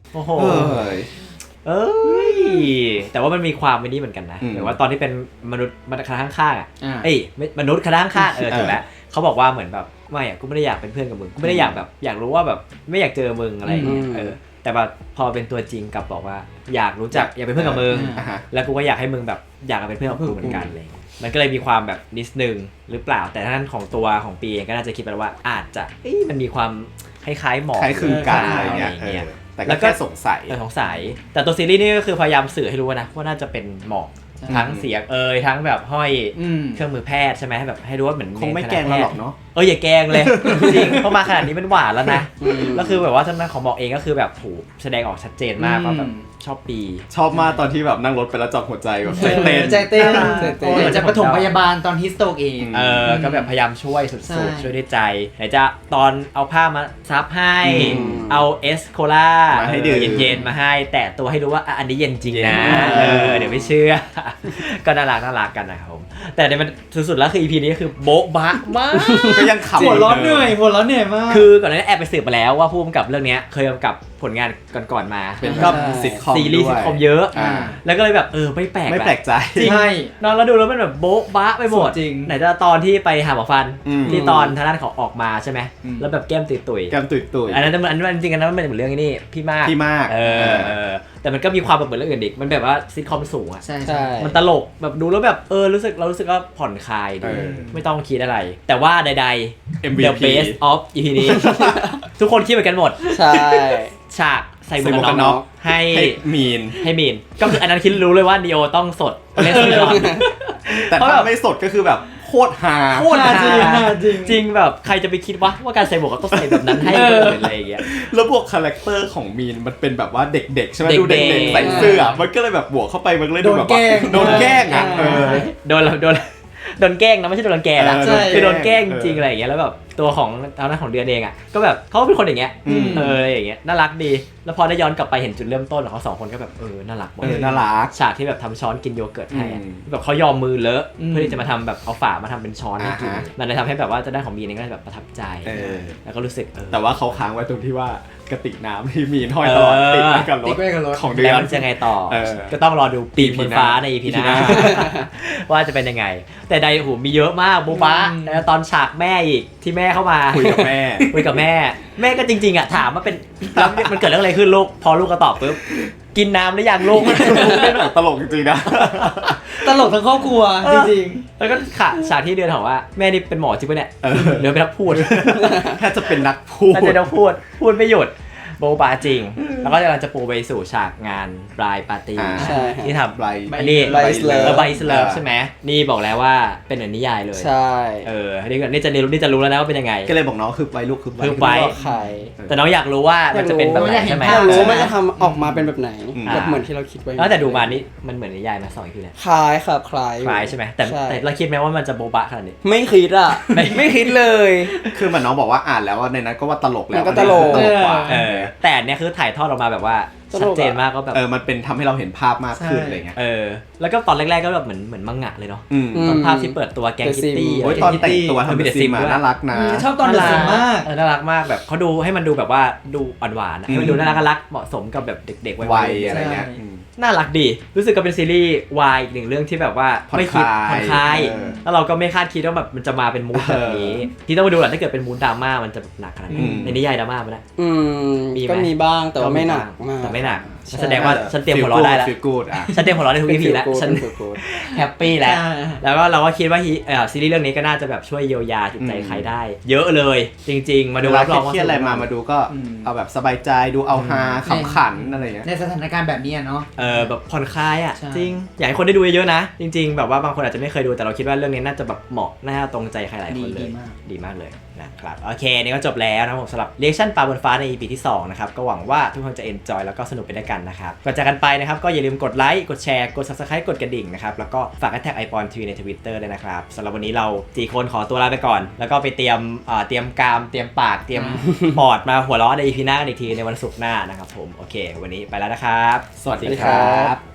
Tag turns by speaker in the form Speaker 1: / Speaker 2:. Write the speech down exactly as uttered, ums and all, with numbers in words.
Speaker 1: โอ้โหเอ้ยแต่ว่ามันมีความไม่นี่เหมือนกันนะหรือว่าตอนที่เป็นมนุษย์มนุษย์คณะข้างๆอ่ะเอ้ยมนุษย์คณะข้างๆเออถูกแล้วเขาบอกว่าเหมือนแบบไม่อ่ะกูไม่ได้อยากเป็นเพื่อนกับมึงกูไม่ได้อยากแบบอยากรู้ว่าแบบไม่อยากเจอมึงอะไรอย่างเงี้ยเออแต่แบบพอเป็นตัวจริงกับบอกว่าอยากรู้จักอยากเป็นเพื่อนกับมึงแล้วกูก็อยากให้มึงแบบอยากเป็นเพื่อนกับกูเหมือนกันเลยมันก็เลยมีความแบบนิดนึงหรือเปล่าแต่ท่านของตัวของปีเองก็น่าจะคิดไปว่าอาจจะมันมีความคล้ายๆหมอก
Speaker 2: คล้ายคลึงกันอะไรเงี้ยแต่ก็แค่สงสัย
Speaker 1: สงสัยแต่ตัวซีรีส์นี่ก็คือพยายามสื่อให้รู้นะว่าน่าจะเป็นหมอกทั้งเสียงเอยทั้งแบบห้อยเครื่องมือแพทย์ใช่ไหมแบบให้รู้ว่าเหมือน
Speaker 2: คงไม่แกล้งเราหรอกเนาะ
Speaker 1: เอออย่าแกล้งเลยจริงเพราะมาขนาดนี้เป็นหวานแล้วนะแล้วคือแบบว่าท่านของหมอกเองก็คือแบบถูกแสดงออกชัดเจนมากว่าแบบชอบปี
Speaker 2: ชอบมากตอนที่แบบนั่งรถไปแล้วจับหัวใจแบบใจเต้น
Speaker 3: ใจเต้นเหมือนจะปฐมพยาบาลตอนฮิสโตกเอง
Speaker 1: เออก็แบบพยายามช่วยสุดๆช่วยด้วยใจไหนจะตอนเอาผ้ามาซับให้เอาเอสโคล่า
Speaker 2: ให้ดื่ม
Speaker 1: เย็นๆมาให้แต่ตัวให้รู้ว่าอันนี้เย็นจริงนะเออเดี๋ยวไม่เชื่อก็น่ารักน่ารักกันนะครับผมแต่ในมันสุดๆแล้วคือ อี พี นี้คือโบ๊ะบะมาก
Speaker 2: ก็ยังขำ
Speaker 3: หัวร้อนเหนื่อยหัวร้อนเหนื่อยมาก
Speaker 1: คือก่อนหน้านี้แอบไปสืบมาแล้วว่าผู้กำกับเรื่องนี้เคยกำกับผลงานก่อนๆมา
Speaker 2: เป็นก็ซิทคอม
Speaker 1: ซีรีส์ซิทคอมเยอะแล้วก็เลยแบบเออไม่แปลก
Speaker 2: ไม่แปลกใจ
Speaker 1: ใช่นอนแล้วดูแล้วมันแบบโบ๊ะบะไปหมดไหนจะตอนที่ไปหาหมอฟันที่ตอนทางด้านเขาออกมาใช่ไหมแล้วแบบแก้มตุยตุย
Speaker 2: แก้มตุยตุย
Speaker 1: อันนั้นอันนั้นจริงๆอันนั้นมันเป็นเหมือนเรื่องนี้พี่มาก
Speaker 2: พี่มาก
Speaker 1: เออแต่มันก็มีความแบบเหมือนเรื่องอื่นอีกมันแบบว่าซิทคอมสูงอ่ะ
Speaker 3: ใช่ใช่
Speaker 1: มันตลกแบบดูแล้วแบบเออรู้สึกเรารู้สึกว่าผ่อนคลายดูไม่ต้องคิดอะไรแต่ว่าใดๆ The Best of อี พี นี้ทุกคนคิดเหมือนกันหมด
Speaker 4: ใช่
Speaker 1: ฉากใส่หมวกกันน็อกให้
Speaker 2: มีน
Speaker 1: ให้มีนก็คืออันนั้นคิดรู้เลยว่านีโอต้องสดเล่นซีรีส์
Speaker 2: แต่ถ้าไม่สดก็คือแบบโคตรฮา
Speaker 1: โคตรฮาจริงจริงแบบใครจะไปคิดว่าว่าการใส่หมวกก็ต้องใส่แบบนั้นให้อะไรอย่างเงี้ย
Speaker 2: แล้วบวกคาแรคเตอร์ของมีนมันเป็นแบบว่าเด็กๆใช่ไหมดูเด็กๆใส่เสื้อมันก็เลยแบบบวกเข้าไปมันเลยดูแบบโดนแกล้งอ่ะ
Speaker 1: โดนโดนโดนแกล้งนะไม่ใช่โดนแกล้งนะคือโดนแกล้งจริงอะไรอย่างเงี้ยแล้วแบบตัวของทางด้านของเดือนเองอ่ะก็แบบเขาเป็นคนอย่างเงี้ยเอออย่างเงี้ยน่ารักดีแล้วพอได้ย้อนกลับไปเห็นจุดเริ่มต้นของเขาสองคนก็แบบเออน่ารักหมด
Speaker 2: น่ารัก
Speaker 1: ฉากที่แบบทำช้อนกินโยเกิร์ตให้แบบเขายอมมือเลอะเพื่อที่จะมาทำแบบเอาฝามาทำเป็นช้อนให้กินมันเลยทำให้แบบว่าจะได้ของมีนก็แบบประทับใจแล้วก็รู้สึก
Speaker 2: แต่ว่าเขาค้างไว้ตรงที่ว่ากระติกน้ำที่มีห้อยตลอดติดไว้กับรถของเดือน
Speaker 1: แล้วจะไงต่อก็ต้องรอดูปีบนฟ้าใน อี พี หน้าว่าจะเป็นยังไงแต่ใดหูมีเยอะมากบุ๊บ้าแล้วตอนฉากแม่อีกที่แม่เข้ามา
Speaker 2: คุยกับแม่
Speaker 1: คุยกับแม่แม่ก็จริงๆอ่ะถามว่าเป็นแล้วมันเกิดเรื่องอะไรขึ้นลูกพอลูกก็ตอบปุ๊บกินน้ำหรือยังลูก
Speaker 2: ตลกจริงๆนะ
Speaker 3: ตลกทั้งครอบครัวจริง
Speaker 1: ๆแล้วก็ขาฉากที่เดือนถามว่าแม่นี่เป็นหมอจริงป่ะเนี่ยเดี๋ยวเป็นนักพูด
Speaker 2: แค่จะเป็นนักพูด
Speaker 1: แค่จะนักพูดพูดไม่หยุดโบบาจริงแล้วก็กำลังจะปูไปสู่ฉากงานบรายปาร์ตี้ที่ทำ
Speaker 2: บราย
Speaker 1: อันนี้บรายสเลิฟบรายสเลิฟใช่ไหมนี่บอกแล้วว่าเป็นเหมือนนิยายเลย
Speaker 4: ใช่
Speaker 1: เออนี่จะรู้นี่จะรู้แล้วนะว่าเป็นยังไง
Speaker 2: ก็เลยบอกน้องคือไปลูกคือ
Speaker 1: ไป
Speaker 4: ใคร
Speaker 1: แต่น้องอยากรู้ว่ามันจะเป็นแบบไหนใช่ไหม
Speaker 4: อยากรู้ว่ามันจะทำออกมาเป็นแบบไหนแบบเหมือนที่เราคิดไว้
Speaker 1: แล้วแต่ดูมานี่มันเหมือนนิยายมาสองอีพีแล้ว
Speaker 4: คล้ายครับคล้าย
Speaker 1: คล้ายใช่ไหมแต่แต่เราคิดไหมว่ามันจะโบบะขนาดนี้
Speaker 4: ไม่คิดอ่ะไม่คิดเลย
Speaker 2: คือเหมือนน้องบอกว่าอ่านแล้วในนั้นก็ว่าตลกแล้ว
Speaker 4: ก็ตลก
Speaker 1: แต่เนี่ยคือถ่ายทอดออกมาแบบว่าชัดเจนมากก็แบบ
Speaker 2: เออมันเป็นทำให้เราเห็นภาพมากขึ้นอะไรเงี้ย
Speaker 1: เออแล้วก็ตอนแรกๆก็แบบเหมือนเหมือนมังงะเลยเนาะตอนภาพที่เปิดตัวแกงคิตตี้
Speaker 2: โอ้ยตอนแต่งตัวทำเป็นซิมน่ารักนะ
Speaker 3: ชอบตอนเดอะซิมมาก
Speaker 1: เออน่ารักมากแบบเขาดูให้มันดูแบบว่าดูอ่อนๆให้มันดูน่ารักรักเหมาะสมกับแบบเด็กๆวั
Speaker 2: ยอะไรเงี้ย
Speaker 1: น่ารักดีรู้สึกก็เป็นซีรีส์วายอีกหนึ่งเรื่องที่แบบว่าไม่คิดผ่อนคลายแล้วเราก็ไม่คาดคิดว่าแบบมันจะมาเป็นมูดแบบนี้ที่ต้องมาดูแหละถ้าเกิดเป็นมูดดราม่ามันจะหนักขนาดไหนในนิยายดราม่ามันนะ
Speaker 4: อืมก็มีบ้างแต่ว่าไม่หนักมาก
Speaker 1: แต่ไม่หนักแสดงว่าฉันเตรียมหัวเราะได้แล้วฉันเตรียมหัวเราะได้ทุก อี พี แล้วฉันแฮปปี้แล้วแล้วก็เราก็คิดว่าซีรีส์เรื่องนี้ก็น่าจะแบบช่วยเยียวยาจิตใจใครได้เยอะเลยจริงๆมาดูรับรองว่า
Speaker 2: เครียดอะไรมามาดูก็เอาแบบสบายใจดูเอาฮาขำขันอะไรอย่างเงี้ย
Speaker 3: ในสถานการณ์แบบนี้เนาะ
Speaker 1: เออแบบผ่อนคลายอ่ะจริงอยากให้คนได้ดูเยอะๆนะจริงๆแบบว่าบางคนอาจจะไม่เคยดูแต่เราคิดว่าเรื่องนี้น่าจะแบบเหมาะน่าตรงใจใครหลายคนเลยดีมากเลยนะครับโอเคนี่ก็จบแล้วนะผมสำหรับเรีแอคชั่นปลาบนฟ้าใน อี พี ที่สองนะครับก็หวังว่าทุกคนจะ enjoy แล้วก็สนุกไปด้วยกันนะครับก่อนจากกันไปนะครับก็อย่าลืมกดไลค์กดแชร์กด Subscribe กดกระดิ่งนะครับแล้วก็ฝากแท็กไอปอนทีวีใน Twitter ด้วยนะครับสำหรับวันนี้เราสี่คนขอตัวลาไปก่อนแล้วก็ไปเตรียมเอ่อเตรียมกามเตรียมปากเตรียมปอดมาหัวเราะใน อี พี หน้าอีกทีในวันศุกร์หน้านะครับผมโอเควันนี้ไปแล้วนะครับ
Speaker 2: สวัสดีครับ